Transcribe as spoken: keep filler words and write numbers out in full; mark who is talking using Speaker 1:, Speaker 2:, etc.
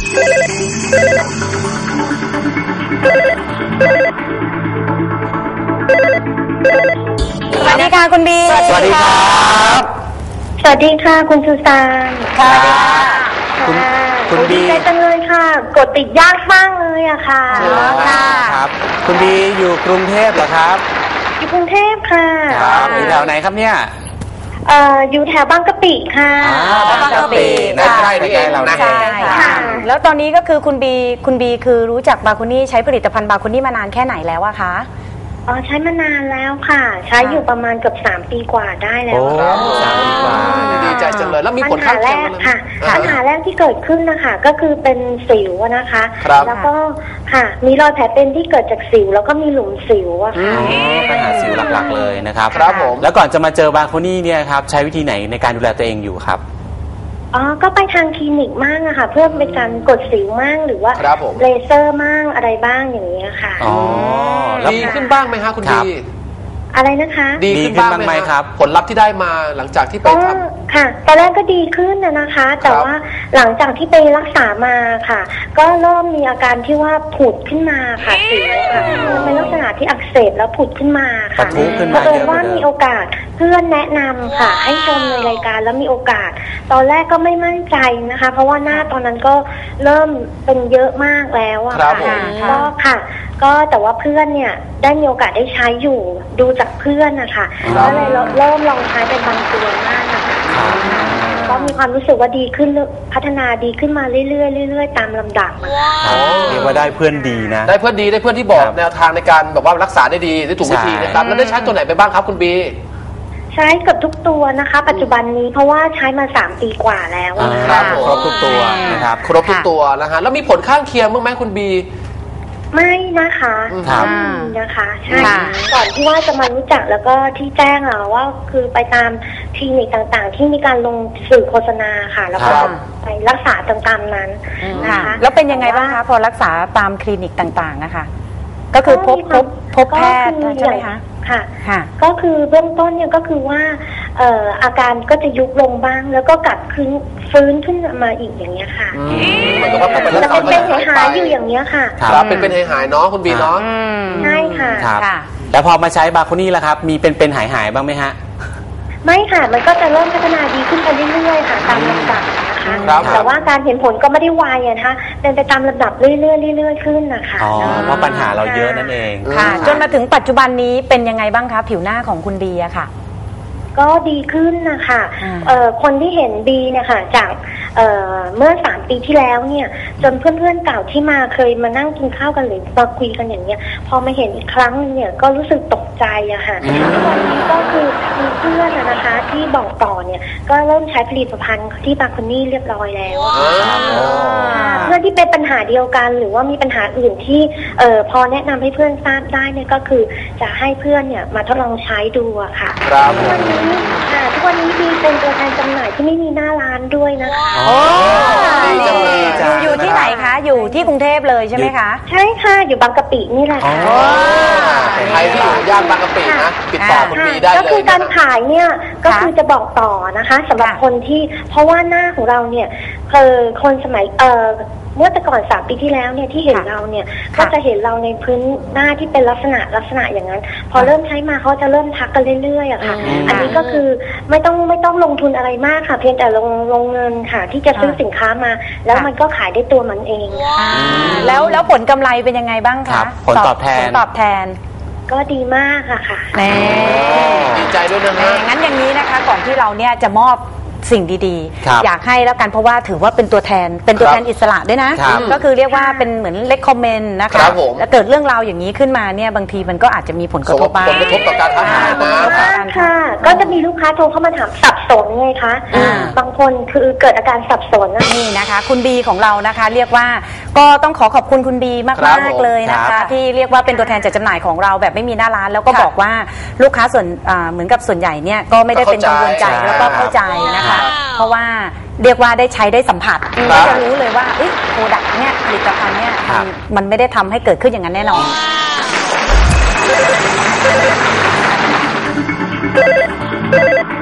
Speaker 1: สวัสดีค่ะคุณบี
Speaker 2: สวัสดีครับ
Speaker 3: สวัสดีค่ะคุณสุสาน
Speaker 1: ค่ะ
Speaker 2: คุณคุณบี
Speaker 3: ดีใจจังเลยค่ะกดติดยากมากเลยอะค่ะ
Speaker 2: ค่ะครับคุณบีอยู่กรุงเทพเหรอครับ
Speaker 3: อยู่กรุงเทพค่ะ
Speaker 2: ครับอยู่แถวไหนครับเนี่ย
Speaker 3: เอ่ออยู่แถวบางกะปิค่ะ
Speaker 2: บางกะปินะใกล้ที่เองเราใช่
Speaker 1: ค่ะแล้วตอนนี้ก็คือคุณบีคุณบีคือรู้จักบาคุนี่ใช้ผลิตภัณฑ์บาคุนี่มานานแค่ไหนแล้วอะคะ
Speaker 3: อ๋อใช้มานานแล้วค่ะใช้อยู่ประมาณเกือบสามปีกว่าได้แล้ว
Speaker 2: ค่ะสามปีกว่า
Speaker 4: ดีใจจังเลยแล้วมีผลข้างเคียงไหม
Speaker 3: ค่ะปัญหาแรกที่เกิดขึ้นนะคะก็คือเป็นสิวนะคะแล้วก็ค่ะมีรอยแผลเป็นที่เกิดจากสิวแล้วก็มีหลุมสิวอะค่ะ
Speaker 2: ปัญหาสิวหลักๆเลยนะครับครับผมแล้วก่อนจะมาเจอบาคุนี่เนี่ยครับใช้วิธีไหนในการดูแลตัวเองอยู่ครับ
Speaker 3: อ๋อก็ไปทางคลินิกมั่งอะค่ะเพื่อเป็นการกดสิวมั่งหรือว่าเลเซอร์มั่งอะไรบ้างอย่างนี้ค่ะ
Speaker 2: อ๋อ
Speaker 4: ดีขึ้นบ้างไหมคะคุณบี
Speaker 3: อะไรนะคะ
Speaker 4: ดีขึ้นบ้างไหมครับผลลัพธ์ที่ได้มาหลังจากที่ไปทำ
Speaker 3: ค่ะตอนแรกก็ดีขึ้นนะคะแต่ว่าหลังจากที่ไปรักษามาค่ะก็เริ่มมีอาการที่ว่าผุดขึ้นมาค่ะสิวค่ะเป็นลักษณะที่อักเสบแล้วผุดขึ้นมาค่ะเพราะว่ามีโอกาสเพื่อนแนะนำค่ะให้ชมในรายการแล้วมีโอกาสตอนแรกก็ไม่มั่นใจนะคะเพราะว่าหน้าตอนนั้นก็เริ่มเป็นเยอะมากแล้วอะค่ะก็ค่ะก็แต่ว่าเพื่อนเนี่ยได้มีโอกาสได้ใช้อยู่ดูจากเพื่อนนะคะก็เลยเริ่มลองใช้เป็นบางตัวมากนะคะก็มีความรู้สึกว่าดีขึ้นพัฒนาดีขึ้นมาเรื่อยๆเรื่อยๆตามลำดับ
Speaker 2: เรียกว่าได้เพื่อนดีนะ
Speaker 4: ได้เพื่อนดีได้เพื่อนที่บอกแนวทางในการแบบว่ารักษาได้ดีได้ถูกวิธีนะครับแล้วได้ใช้ตัวไหนไปบ้างครับคุณบี
Speaker 3: ใช้กับทุกตัวนะคะปัจจุบันนี้เพราะว่าใช้มาสามปีกว่าแล้ว
Speaker 4: ครับ
Speaker 2: ครบทุกตัวนะครับ
Speaker 4: ครบทุกตัวนะฮะแล้วมีผลข้างเคียงบ้างไหมคุณบี
Speaker 3: ไม่นะคะไม่มีนะคะใช่ก่อนที่ว่าจะมารู้จักแล้วก็ที่แจ้งเราว่าคือไปตามคลินิกต่างๆที่มีการลงสื่อโฆษณาค่ะแล้วก็ไปรักษาตามๆนั้นนะคะ
Speaker 1: แล้วเป็นยังไงบ้างคะพอรักษาตามคลินิกต่างๆนะคะก็คือพบพบพบแพทย์ใช่ไหมคะ
Speaker 3: ค่ะก็คือเบื้องต้นเนี่ยก็คือว่าเอ่ออาการก็จะยุบลงบ้างแล้วก็กลับคืนฟื้นขึ้นมาอีกอย่างเงี้ยค่ะจะเป็นเป็นหายอยู่อย่างเงี้ยค่ะ
Speaker 4: ครับเป็นเป็นหายๆเนาะคุณบีเนาะ
Speaker 3: ใช่ค่ะ
Speaker 2: ครับแล้วพอมาใช้บาคุนี่แล้วครับมีเป็นเป็นหายหายบ้างไหมฮะ
Speaker 3: ไม่ค่ะมันก็จะเริ่มพัฒนาดีขึ้นไปเรื่อยๆค่ะตามลำดับนะคะแต่ว่าการเห็นผลก็ไม่ได้ไวนะคะเป็นไปตามลำดับเรื่อยๆเรื่อยๆขึ้นนะคะ
Speaker 2: อ๋อเพราะปัญหาเราเยอะนั่นเอง
Speaker 1: ค่ะจนมาถึงปัจจุบันนี้เป็นยังไงบ้างคะผิวหน้าของคุณบีอะค่ะ
Speaker 3: ก็ดีขึ้นนะคะคนที่เห็นบีเนี่ยค่ะจากเ, เมื่อสามปีที่แล้วเนี่ยจนเพื่อนๆเก่าที่มาเคยมานั่งกินข้าวกันหรือมาคุยกันอย่างเงี้ยพอมาเห็นอีกครั้งเนี่ยก็รู้สึกตกใจอะค่ะวันนี้ก็คือมีเพื่อนนะคะที่บอกต่อเนี่ยก็เริ่มใช้ผลิตภัณฑ์ที่บาคุนี่เรียบร้อยแล้วเพื่อนที่เป็นปัญหาเดียวกันหรือว่ามีปัญหาอื่นที่เอ่อพอแนะนำให้เพื่อนทราบได้เนี่ยก็คือจะให้เพื่อนเนี่ยมาทดลองใช้ดูอะค่ะทุกวันนี้ค่ะทุกวันนี้บีเป็นตัวแทนจำหน่ายที่ไม่มีหน้าร้านด้วยนะคะ
Speaker 1: โอ้อยู่ที่ไหนคะอยู่ที่กรุงเทพเลยใช่ไหมคะ
Speaker 3: ใช่ค่ะอยู่บางกะปินี่แหละค่ะ
Speaker 4: ใครที่อยู่ย่านบางกะปินะติดต่อคุณบีได้เลย
Speaker 3: ก็คือการขายเนี่ยก็คือจะบอกต่อนะคะสำหรับคนที่เพราะว่าหน้าของเราเนี่ยคือคนสมัยเอ่อเมื่อแต่ก่อนสามปีที่แล้วเนี่ยที่เห็นเราเนี่ยก็จะเห็นเราในพื้นหน้าที่เป็นลักษณะลักษณะอย่างนั้นพอเริ่มใช้มาเขาจะเริ่มทักกันเรื่อยๆอะค่ะอันนี้ก็คือไม่ต้องไม่ต้องลงทุนอะไรมากค่ะเพียงแต่ลงลงเงินค่ะที่จะซื้อสินค้ามาแล้วมันก็ขายได้ตัวมันเอง
Speaker 1: แล้วแล้วผลกำไรเป็นยังไงบ้างคะ
Speaker 2: ผลตอบแทน
Speaker 1: ผลตอบแทน
Speaker 3: ก็ดีมากอะค่ะ
Speaker 4: ดีใจด้วยนะ
Speaker 1: งั้นอย่างนี้นะคะก่อนที่เราเนี่ยจะมอบสิ่งดีๆอยากให้แล้วกันเพราะว่าถือว่าเป็นตัวแทนเป็นตัวแทนอิสระด้วยนะก็คือเรียกว่าเป็นเหมือนเลคคอมเมนต์นะคะแล้วเกิดเรื่องราวอย่างนี้ขึ้นมาเนี่ยบางทีมันก็อาจจะมีผลกระทบบ้าง
Speaker 4: ผลกระทบต่อการค้าขาย
Speaker 3: นะค่ะก็จะมีลูกค้าโทรเข้ามาถามสับสนไงคะบางคนคือเกิดอาการสับสน
Speaker 1: นี่นะคะคุณบีของเรานะคะเรียกว่าก็ต้องขอขอบคุณคุณบีมากๆเลยนะคะที่เรียกว่าเป็นตัวแทนจัดจำหน่ายของเราแบบไม่มีหน้าร้านแล้วก็บอกว่าลูกค้าส่วนเหมือนกับส่วนใหญ่เนี่ยก็ไม่ได้เป็นกังวลใจแล้วก็เข้าใจนะคะเพราะว่าเรียกว่าได้ใช้ได้สัมผัสก็จะรู้เลยว่าโปรดักต์เนี่ยผลิตภัณฑ์เนี่ยมันไม่ได้ทำให้เกิดขึ้นอย่างนั้นแน่นอน